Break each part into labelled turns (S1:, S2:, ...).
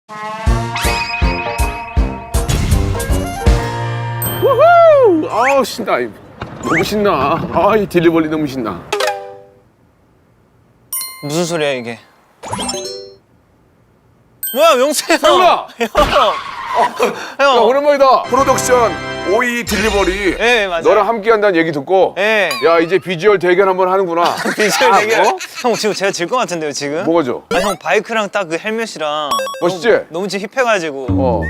S1: 우후! 아우 신나. 너무 신나. 아, 이 딜리버리 너무 신나.
S2: 무슨 소리야 이게? 뭐야 명수 형!
S1: 형아! 야,
S2: 형!
S1: 오랜만이다. 프로덕션 오이 딜리버리.
S2: 네, 맞아요.
S1: 너랑 함께 한다는 얘기 듣고.
S2: 네.
S1: 야, 이제 비주얼 대결 한번 하는구나.
S2: 비주얼
S1: 아,
S2: 대결.
S1: 뭐?
S2: 형 지금 제가 질 것 같은데요 지금?
S1: 뭐가 죠?
S2: 아 형 바이크랑 딱 그 헬멧이랑
S1: 멋있지?
S2: 너무 지금 힙해가지고.
S1: 어.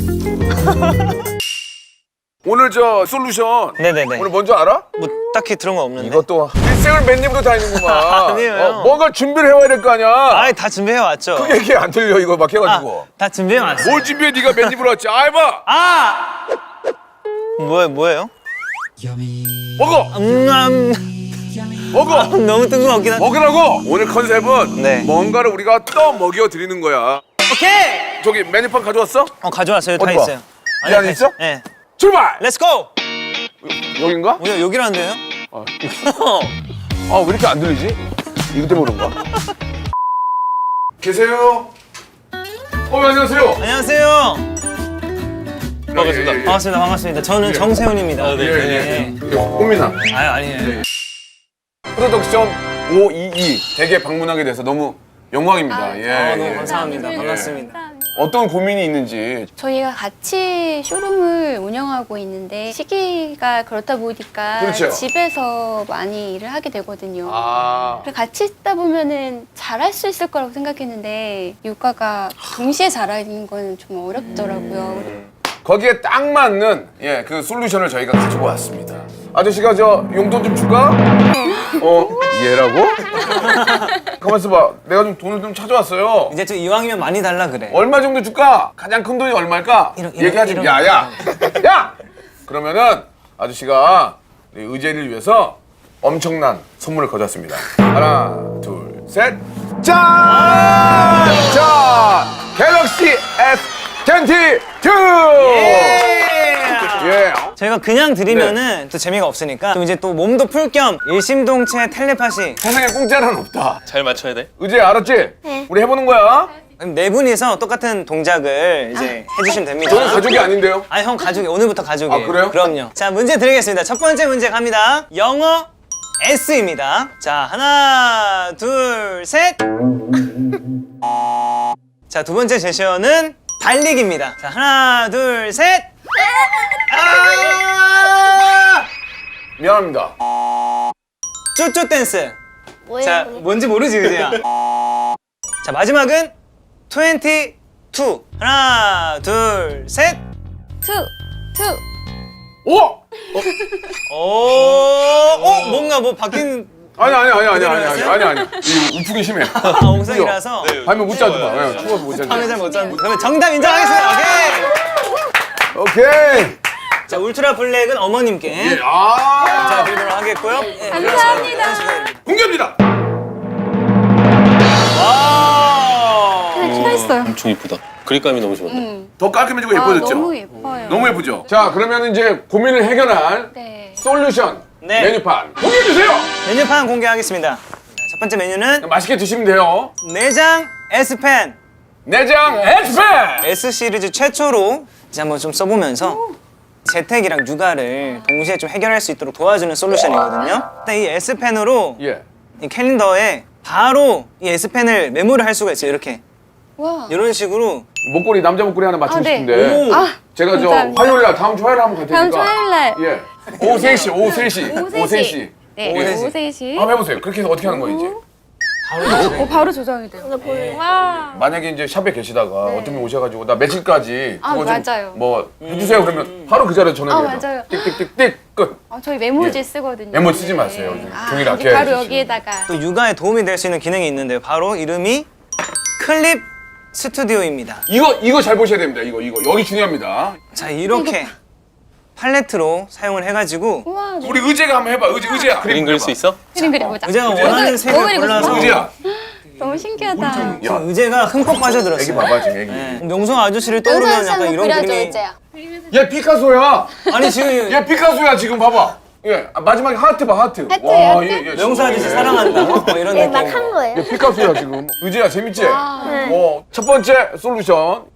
S1: 오늘 저 솔루션.
S2: 네네네.
S1: 오늘 뭔지 알아?
S2: 뭐 딱히 들은 건 없는데.
S1: 이것도 일생을 맨입으로 다니는구만.
S2: 아니에요.
S1: 뭔가 준비를 해와야 될 거 아니야.
S2: 아이 다 준비해 왔죠.
S1: 그게 얘기 안 들려 이거 막 해가지고.
S2: 다 준비해 왔어.
S1: 뭘 준비해 네가 맨입으로 왔지. 아, 해봐.
S2: 아! 뭐예요?
S1: 먹어. 먹어.
S2: 너무 뜬금없긴 한데.
S1: 먹으라고. 오늘 컨셉은
S2: 네.
S1: 뭔가를 우리가 떠 먹여 드리는 거야.
S2: 오케이.
S1: 저기 메뉴판 가져왔어?
S2: 가져왔어요. 다
S1: 어디 봐.
S2: 있어요.
S1: 이 안에
S2: 다
S1: 있어?
S2: 네.
S1: 출발.
S2: 렛츠 고.
S1: 여긴가?
S2: 여기라는데요?
S1: 아, 왜 이렇게 안 들리지? 이거 때문에 그런가? 계세요? 안녕하세요.
S2: 안녕하세요.
S1: 반갑습니다.
S2: 반갑습니다. 저는 정세훈입니다.
S1: 예. 꽃미나.
S2: 아니에요.
S1: 프로덕션 522 댁에 방문하게 돼서 너무 영광입니다. 예.
S2: 너무
S1: 예.
S2: 감사합니다.
S1: 예.
S2: 반갑습니다.
S1: 어떤 고민이 있는지.
S3: 저희가 같이 쇼룸을 운영하고 있는데 시기가 그렇다 보니까
S1: 그렇죠.
S3: 집에서 많이 일을 하게 되거든요.
S1: 아.
S3: 그래서 같이 있다 보면은 잘할 수 있을 거라고 생각했는데 육아가 동시에 잘하는 건 좀 어렵더라고요.
S1: 거기에 딱 맞는 그 솔루션을 저희가 가지고 왔습니다. 아저씨가 저 용돈 좀 줄까? 얘라고? 가만 있어봐. 내가 좀 돈을 좀 찾아왔어요.
S2: 이제 좀 이왕이면 많이 달라 그래.
S1: 얼마 정도 줄까? 가장 큰 돈이 얼마일까? 얘기하지.
S2: 이런.
S1: 야! 그러면은 아저씨가 의제를 위해서 엄청난 선물을 가져왔습니다. 하나, 둘, 셋. 짠! 자, 갤럭시 S22! 예.
S2: 저희가 그냥 드리면은 또 재미가 없으니까 좀 이제 또 몸도 풀 겸 일심동체 텔레파시.
S1: 세상에 공짜는 없다.
S4: 잘 맞춰야 돼?
S1: 의제 알았지?
S3: 네.
S1: 우리 해보는 거야.
S2: 네 분이서 똑같은 동작을 이제 해주시면 됩니다.
S1: 저는 가족이 아닌데요.
S2: 아니 형 가족이 오늘부터 가족이에요.
S1: 아, 그래요?
S2: 그럼요. 자 문제 드리겠습니다. 첫 번째 문제 갑니다. 영어 S입니다. 자 하나 둘 셋. 자 두 번째 제시어는 달리기입니다. 자 하나 둘 셋.
S1: 미안합니다.
S2: 쪼쪼 댄스.
S3: 뭐예요?
S2: 자 뭔지 모르지 그지야. 자 마지막은 22. 하나 둘 셋.
S3: 투.
S1: 오!
S2: 오, 뭔가 뭐 바뀐
S1: 아니. 이 우풍이 심해.
S2: 옹성이라서
S1: 밤에 못 자도 봐. 추워서 못 자도.
S2: 밤에 잘 못 잤는데. 그러면 정답 인정하겠습니다. 오케이.
S1: 오케이.
S2: 자 울트라 블랙은 어머님께
S1: 예. 아.
S2: 자 드리도록 하겠고요. 예,
S3: 감사합니다.
S1: 공개합니다.
S2: 와.
S3: 필요했어요.
S4: 엄청 이쁘다. 그립감이 너무 좋은데.
S1: 더 깔끔해지고 예뻐졌죠?
S3: 너무 예뻐요.
S1: 너무 예쁘죠? 자, 그러면 이제 고민을 해결할
S3: 네.
S1: 솔루션
S2: 네.
S1: 메뉴판 공개해 주세요.
S2: 메뉴판 공개하겠습니다. 첫 번째 메뉴는
S1: 맛있게 드시면 돼요.
S2: 내장 S펜
S1: 내장 엑스펜.
S2: S 시리즈 최초로 이제 한번 좀 써보면서 재택이랑 육아를 동시에 좀 해결할 수 있도록 도와주는 솔루션이거든요. 일단 이 S펜으로
S1: 예.
S2: 이 캘린더에 바로 이 S펜을 메모를 할 수가 있어요. 이렇게
S3: 와.
S2: 이런 식으로
S1: 목걸이 남자 목걸이 하나 맞추고
S3: 아, 네.
S1: 싶은데.
S2: 오.
S3: 아,
S1: 제가 저
S3: 감사합니다.
S1: 화요일 날 다음 주 화요일 날 한번 갈
S3: 다음
S1: 테니까.
S3: 주 화요일 날.
S1: 예. 오후 3시. 오후 3시.
S3: 네.
S2: 오후
S3: 오후
S2: 3시.
S3: 3시.
S1: 한번 해보세요. 그렇게 해서 어떻게 하는 거예요, 이제?
S3: 바로 조정이 돼요. 와.
S1: 만약에 이제 샵에 계시다가 어떤 분이 오셔가지고 나 며칠까지
S3: 아,
S1: 그거 좀
S3: 맞아요.
S1: 뭐 해주세요 그러면 바로 그 자리에 전화해요.
S3: 맞아요.
S1: 띡띡띡띡 끝.
S3: 저희 메모지
S1: 예.
S3: 쓰거든요.
S1: 메모 쓰지 마세요. 요즘 종이를
S3: 이제
S1: 아껴야지.
S3: 바로 여기에다가.
S2: 또 육아에 도움이 될 수 있는 기능이 있는데요. 바로 이름이 클립 스튜디오입니다.
S1: 이거 잘 보셔야 됩니다. 이거 여기 중요합니다.
S2: 자 이렇게 팔레트로 사용을 해가지고
S3: 우와.
S1: 우리 의제가 한번 해봐. 의제야.
S4: 그림 그릴 수 있어?
S3: 그림 그려보자.
S2: 의제가 원하는 색을 골라서
S1: 의제야.
S3: 너무 신기하다.
S1: 야,
S2: 의제가 흠뻑
S1: 애기
S2: 빠져들었어요.
S1: 봐봐 지금 애기.
S2: 네. 명성 아저씨를 떠오르면 약간 이런 그림이
S1: 얘 피카소야.
S2: 아니 지금
S1: 얘 피카소야 지금 봐봐. 예, 마지막에 하트 봐 하트.
S3: 하트,
S1: 와,
S3: 하트?
S1: 얘
S2: 명성 아저씨 사랑한다 뭐 이런 느낌.
S5: 막 한 거예요?
S1: 얘 피카소야 지금. 의제야 재밌지?
S5: 네.
S1: 첫 번째 솔루션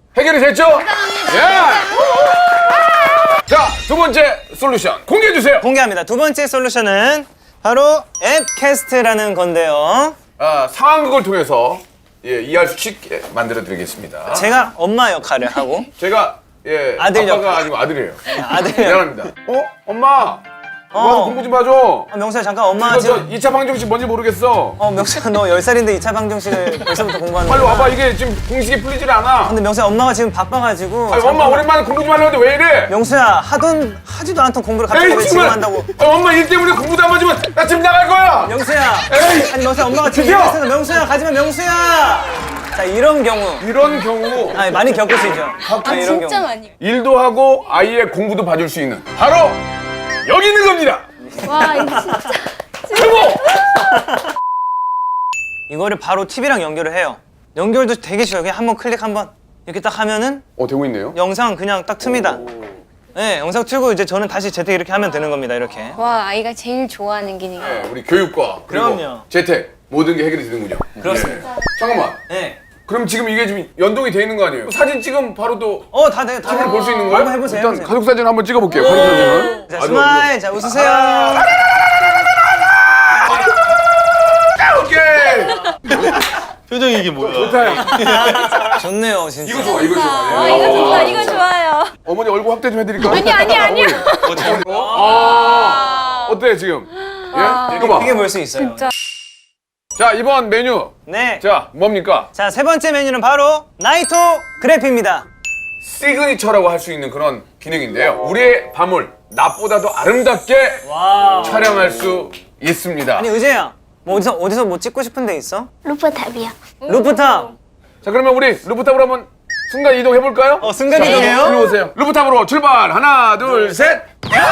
S1: 해결이 됐죠? 예. 자, 두 번째 솔루션 공개해 주세요.
S2: 공개합니다. 두 번째 솔루션은 바로 앱캐스트라는 건데요.
S1: 상황극을 통해서 이해할 수 쉽게 만들어 드리겠습니다.
S2: 제가 엄마 역할을 하고
S1: 제가
S2: 아들
S1: 아빠가
S2: 역할.
S1: 아니고 아들이에요.
S2: 아들
S1: 미안합니다. 엄마. 와서 공부 좀 봐줘.
S2: 명수야 잠깐 엄마
S1: 이거 저
S2: 지금
S1: 2차 방정식 뭔지 모르겠어.
S2: 명수야 너 10살인데 2차 방정식을 벌써부터 공부하는
S1: 빨리
S2: 거야.
S1: 와봐. 이게 지금 공식이 풀리질 않아.
S2: 근데 명수야 엄마가 지금 바빠가지고
S1: 아니, 엄마 오랜만에 공부 좀 하려는데 왜 이래?
S2: 명수야 하지도 않던 공부를 갑자기 왜 지금 한다고.
S1: 엄마 일 때문에 공부도 안 맞으면 나 지금 나갈 거야.
S2: 명수야
S1: 에이!
S2: 아니 명수야 엄마가 지금
S1: 드디어!
S2: 얘기했어. 명수야 가지마 명수야. 자 이런 경우
S1: 이런 경우
S2: 많이 겪으시죠?
S3: 아
S2: 이런
S3: 진짜
S2: 경우.
S3: 많이.
S1: 일도 하고 아이의 공부도 봐줄 수 있는 바로 여기 있는 겁니다.
S3: 와 이거 진짜.
S1: 최고!
S2: 이거를 바로 TV랑 연결을 해요. 연결도 되게 쉬워요. 그냥 한번 클릭 한번 이렇게 딱 하면은
S1: 되고 있네요.
S2: 영상 그냥 딱 틉니다. 네, 영상 틀고 이제 저는 다시 재택 이렇게 하면 되는 겁니다. 이렇게.
S3: 와 아이가 제일 좋아하는 기능.
S1: 네, 우리 교육과 그리고
S2: 그럼요.
S1: 재택 모든 게 해결이 되는군요.
S2: 그렇습니다.
S1: 네. 잠깐만.
S2: 네.
S1: 그럼 지금 이게 지금 연동이 돼 있는 거 아니에요? 사진 찍으면 바로 또
S2: 다 돼요. 다
S1: TV를
S2: 돼요.
S1: 볼 수 있는 거예요?
S2: 한번 해보세요.
S1: 일단
S2: 해보세요.
S1: 가족 사진 한번 찍어볼게요. 가족 사진은.
S2: 자, 스마일. 자, 웃으세요.
S1: 오케이.
S4: 표정이 이게 뭐야?
S1: 좋다.
S2: 좋네요, 진짜.
S1: 이거 좋아. 이거 좋아.
S3: 아 이거 좋다. 이거 좋아요.
S1: 어머니 얼굴 확대 좀 해드릴까요?
S3: 아니요.
S1: 어때 지금? 예? 이거 봐.
S2: 크게 볼 수 있어요.
S3: 진짜.
S1: 자 이번 메뉴.
S2: 네.
S1: 자 뭡니까?
S2: 자, 세 번째 메뉴는 바로 나이토 그래피입니다.
S1: 시그니처라고 할 수 있는 그런 기능인데요. 우리의 밤을 낮보다도 아름답게
S2: 와우.
S1: 촬영할 수 있습니다.
S2: 아니, 의재야. 뭐 어디서 뭐 찍고 싶은 데 있어?
S3: 루프탑이요.
S2: 루프탑.
S1: 자 그러면 우리 루프탑으로 한번 순간 이동 해볼까요?
S2: 순간 이동해요?
S1: 일로 오세요. 루프탑으로 출발. 하나, 둘, 셋.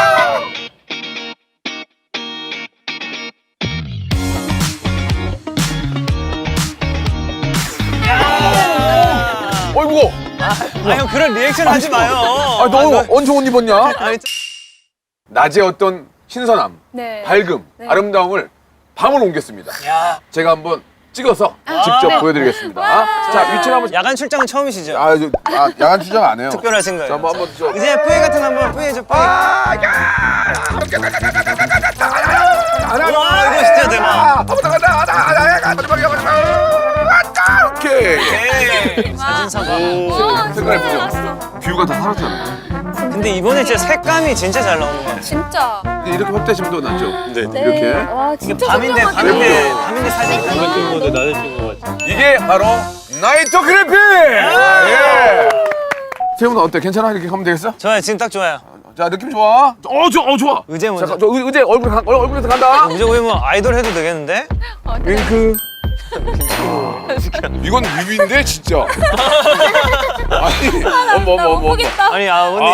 S1: 어이구.
S2: 형 그런 리액션 하지 마요.
S1: 너 언제 옷 입었냐?
S2: 아니,
S1: 낮의 어떤 신선함,
S3: 네.
S1: 밝음, 아름다움을 밤으로 옮겼습니다.
S2: 야,
S1: 제가 한번 찍어서 직접 보여드리겠습니다. 자, 위치를 한번.
S2: 야간 출장은 처음이시죠?
S1: 야간 추적 안 해요.
S2: 특별하신 거예요.
S1: 자, 한번 저.
S2: 이제 뿌이 같은 거 한번 뿌이해줘, 뿌이. 와, 이거 진짜 대박.
S1: 오케이.
S2: 네. 사진사가.
S1: 색깔 예쁘죠? 뷰가 다 사라졌잖아요.
S2: 근데 이번에 진짜 색감이 진짜 잘 나오네.
S3: 진짜.
S1: 이렇게 확대하시면 더 낫죠?
S4: 네.
S1: 이렇게.
S3: 와
S2: 이게
S3: 진짜
S2: 밤인데 사진.
S4: 잘못 찍은 건데 나를 찍은 거 같아.
S1: 이게 바로 나이트 그래픽! 예. 세훈아 어때? 괜찮아? 이렇게 하면 되겠어?
S2: 좋아요, 지금 딱 좋아요.
S1: 자, 느낌 좋아? 좋아.
S2: 의제 먼저.
S1: 잠깐, 저 의제 얼굴에서 간다.
S2: 의제 거의 뭐 아이돌 해도 되겠는데?
S1: 윙크. 이건 뮤비인데 진짜. 아니,
S3: 못 보겠다.
S2: 아니, 아버님.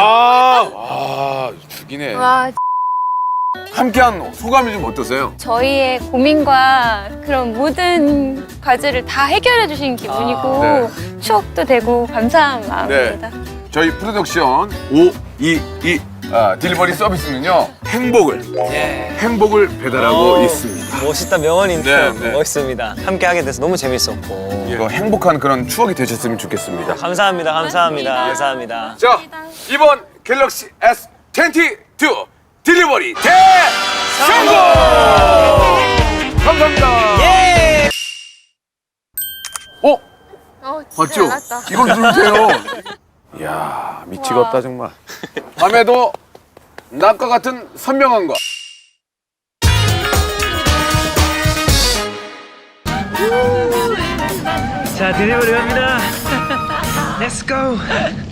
S1: 죽이네.
S3: 와
S1: 함께한 소감이 좀 어떠세요?
S3: 저희의 고민과 그런 모든 과제를 다 해결해 주신 기분이고 추억도 되고 감사한 마음입니다.
S1: 저희 프로덕션 522 딜리버리 서비스는요 행복을 배달하고 있습니다.
S2: 멋있다, 명언 인트.
S1: 네.
S2: 멋있습니다. 함께 하게 돼서 너무 재밌었고.
S1: 이거 행복한 그런 추억이 되셨으면 좋겠습니다.
S2: 감사합니다.
S1: 자, 이번 갤럭시 S22 딜리버리 대성공! 감사합니다.
S2: 예!
S1: 봤죠? 이걸 누르면 돼요. 이야, 미치겠다 정말. 밤에도 낮과 같은 선명한 거.
S2: 자, 딜리버리 갑니다. Let's go.